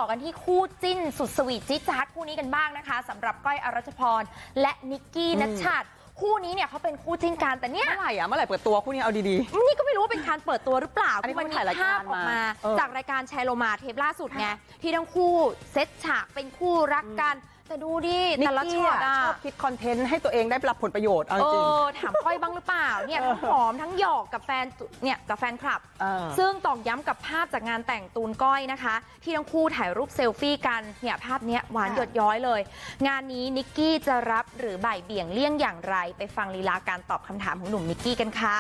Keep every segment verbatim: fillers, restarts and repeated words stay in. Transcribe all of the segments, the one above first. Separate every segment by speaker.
Speaker 1: อกันที่คู่จิ้นสุดสวีทจิ๊ดจ๊าดคู่นี้กันบ้างนะคะสำหรับก้อยอรัชพรและนิกกี้นัชชาติคู่นี้เนี่ยเขาเป็นคู่จิ้นกันแต่เนี่ย
Speaker 2: เมื่อไหร่อะเมื่อไหร่เปิดตัวคู่นี้เอาดีๆ
Speaker 1: นี่ก็ไม่รู้ว่าเป็นการเปิดตัวหรือเปล่า
Speaker 2: อันนี้
Speaker 1: มัน
Speaker 2: เขาถ่ายรายการ
Speaker 1: ภาพออกมา
Speaker 2: มาเออ
Speaker 1: จากรายการแชร์โลมาเทปล่าสุดไงที่ทั้งคู่เซตฉากเป็นคู่รักกันแต่ดูดิ
Speaker 2: นิ
Speaker 1: แต่
Speaker 2: ก
Speaker 1: ละ
Speaker 2: กี้
Speaker 1: ช็อต
Speaker 2: อะ
Speaker 1: อะ
Speaker 2: ชอบคิดคอนเทนต์ให้ตัวเองได้รับผลประโยชน์เอา
Speaker 1: เอ
Speaker 2: จริง
Speaker 1: อถามก้อยบ้างหรือเปล่าเนี่ยทั้งหอมทั้งหยอกกับแฟนเนี่ยกับแฟนคลับ
Speaker 2: เออ
Speaker 1: ซึ่งตอกย้ำกับภาพจากงานแต่งตูนก้อยนะคะ ที่ทั้งคู่ถ่ายรูปเซลฟี่กันเนี่ยภาพเนี้ยหวานหยดย้อยเลย งานนี้นิกกี้จะรับหรือบ่ายเบี่ยงเลี่ยงอย่างไรไปฟังลีลาการตอบคำถามของหนุ่มนิกกี้กันค่ะ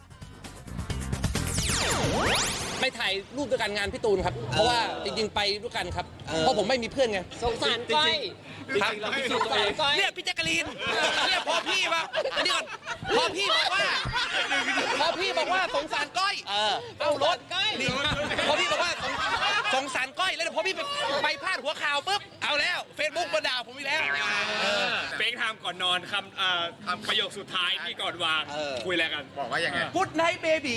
Speaker 3: ไปถ่ายรูปด้วยกันงานพี่ตูนครับ เพราะว่าจริงๆไปด้วยกันครับ เพราะผมไม่มีเพื่อนไง
Speaker 4: สงสารก้อย
Speaker 3: ครับสงสารก้อยเนี่ยพี่แจ๊กกะลีนเนี่ยพอพี่มาอันนี้ก่อนพอพี่บอกว่าพอพี่บอกว่าสงสารก้อยเออเอารถนี่พอพี่บอกว่าสงสงสารก้อยแล้วเดี๋ยวพอพี่ไปไปพาดหัวข่าวปุ๊บเอาแล้วเฟซบุ๊กมาด่าผมอีกแล้ว
Speaker 5: เฟกไทม์ก่อนนอนคำเอ่อประโยคสุดท้ายที่ก่อนวาง คุยอะไรกัน บอกว่ายังไง
Speaker 3: พุดไนท์เบบี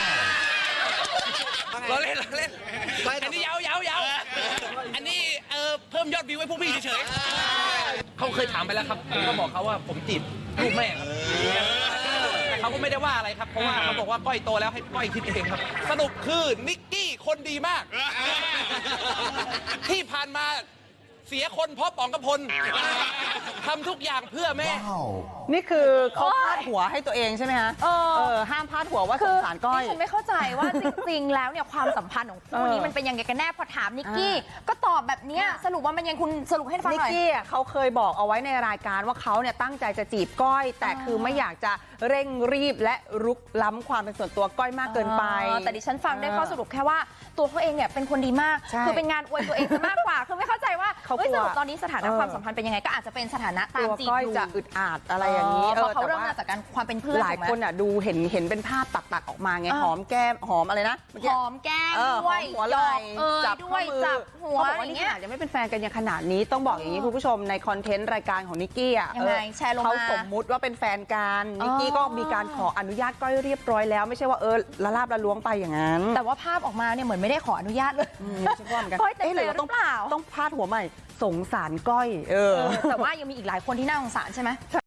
Speaker 3: เราเล่นเราเล่นอันนี้ยาวยาวยาวอันนี้เออเพิ่มยอดวิวให้พวกพี่เฉยๆเขาเคยถามไปแล้วครับผมก็บอกเขาว่าผมจีบลูกแม่ครับแต่เขาก็ไม่ได้ว่าอะไรครับเพราะว่าเขาบอกว่าก้อยโตแล้วให้ก้อยคิดเองครับสรุปคือนิกกี้คนดีมาก ที่ผ่านมาเสียคนเพราะป๋องกระพลทำทุกอย่างเพื่อแม่
Speaker 2: นี่คือเขาพาดหัวให้ตัวเองใช่ไหมฮะ
Speaker 1: เออ
Speaker 2: เออห้ามพาดหัวว่าสงสารก้อย
Speaker 1: ดิฉันไม่เข้าใจว่าจริงๆ แล้วเนี่ยความสัมพันธ์ของคู่นี้
Speaker 2: เออ
Speaker 1: มันเป็นยังไงกันแน่พอถามนิกกี้ก็ตอบแบบเนี้ยสรุปว่ามันยังคุณสรุปให้ฟัง
Speaker 2: นิ
Speaker 1: ห
Speaker 2: ก
Speaker 1: น่อย
Speaker 2: กี้อะเขาเคยบอกเอาไว้ในรายการว่าเขาเนี่ยตั้งใจจะจีบก้อย แต่คือไม่อยากจะเร่งรีบและรุกล้ำความเป็นส่วนตัวก้อยมากเกินไป
Speaker 1: อ๋อแต่ดิฉันฟังได้ข้อสรุปแค่ว่าตัวเขาเองเนี่ยเป็นคนดีมาก
Speaker 2: ใช่
Speaker 1: คือเป็นงานอวยตัวเองซะมากกว่า คือไม่เข้าใจว่า
Speaker 2: เขา
Speaker 1: เฮ้ย
Speaker 2: กลั
Speaker 1: ส
Speaker 2: ว
Speaker 1: รุปตอนนี้สถานะ
Speaker 2: เออ
Speaker 1: ความสัมพันธ์เป็นยังไงก็อาจจะเป็นสถานะตาม
Speaker 2: ตัว
Speaker 1: จีบ
Speaker 2: ก้อย
Speaker 1: อยู่
Speaker 2: จะอึดอัดอะไรอย่างนี้
Speaker 1: เพราะเขา
Speaker 2: แต่
Speaker 1: เริ่ม
Speaker 2: ว่
Speaker 1: มาจากการความเป็นเพื่อน
Speaker 2: หลาย
Speaker 1: ถูกไหม
Speaker 2: คนอ่ะดูเห็นเห็นเป็นภาพตัดตัดๆออกมาไง
Speaker 1: เออ
Speaker 2: หอมแก้มหอมอะไรนะเมื่อ
Speaker 1: ห
Speaker 2: กี้
Speaker 1: อมแก้ม
Speaker 2: เออ
Speaker 1: ด้วย
Speaker 2: หอมหัวไหล่
Speaker 1: เออ
Speaker 2: จับ
Speaker 1: ด้
Speaker 2: ข้
Speaker 1: ว
Speaker 2: อย มือ
Speaker 1: จับหัว
Speaker 2: เขาบอก
Speaker 1: อ
Speaker 2: ว่า
Speaker 1: ย่าง
Speaker 2: นี่
Speaker 1: เงี้
Speaker 2: ข
Speaker 1: ย
Speaker 2: นาดยังไม่เป็นแฟนกันยังขนาดนี้ต้องบอกอย่างนี้คุณผู้ชมในคอนเทนต์รายการของนิกกี้อ่ะ
Speaker 1: ยังไง
Speaker 2: เออ
Speaker 1: แชร์ลงมา
Speaker 2: เขาสมมุติว่าเป็นแฟนกัน
Speaker 1: อ๋อ
Speaker 2: นิกกี้ก็มีการขออนุญาตก้อยเรียบร้อยแล้วไม่ใช่ว่าเออละลาบละล้วงไปอย่างนั้น
Speaker 1: แต่ว่าภาพออกมาเนี่ยเหมือนไม่ได้ขออนุญาตเลย
Speaker 2: อืมฉันว่าเหมือนกัน
Speaker 1: ก้อยเต็ม
Speaker 2: เอ๊ะ
Speaker 1: ใจ
Speaker 2: หรือ
Speaker 1: ห
Speaker 2: ว่า
Speaker 1: รื
Speaker 2: ต้อง
Speaker 1: อเปล่า
Speaker 2: ต้องพาดหัวใหม่สงสารก้อยเออ
Speaker 1: เออแต่ว่ายังมีอีกหลายคนที่น่าสงสารใช่ไหม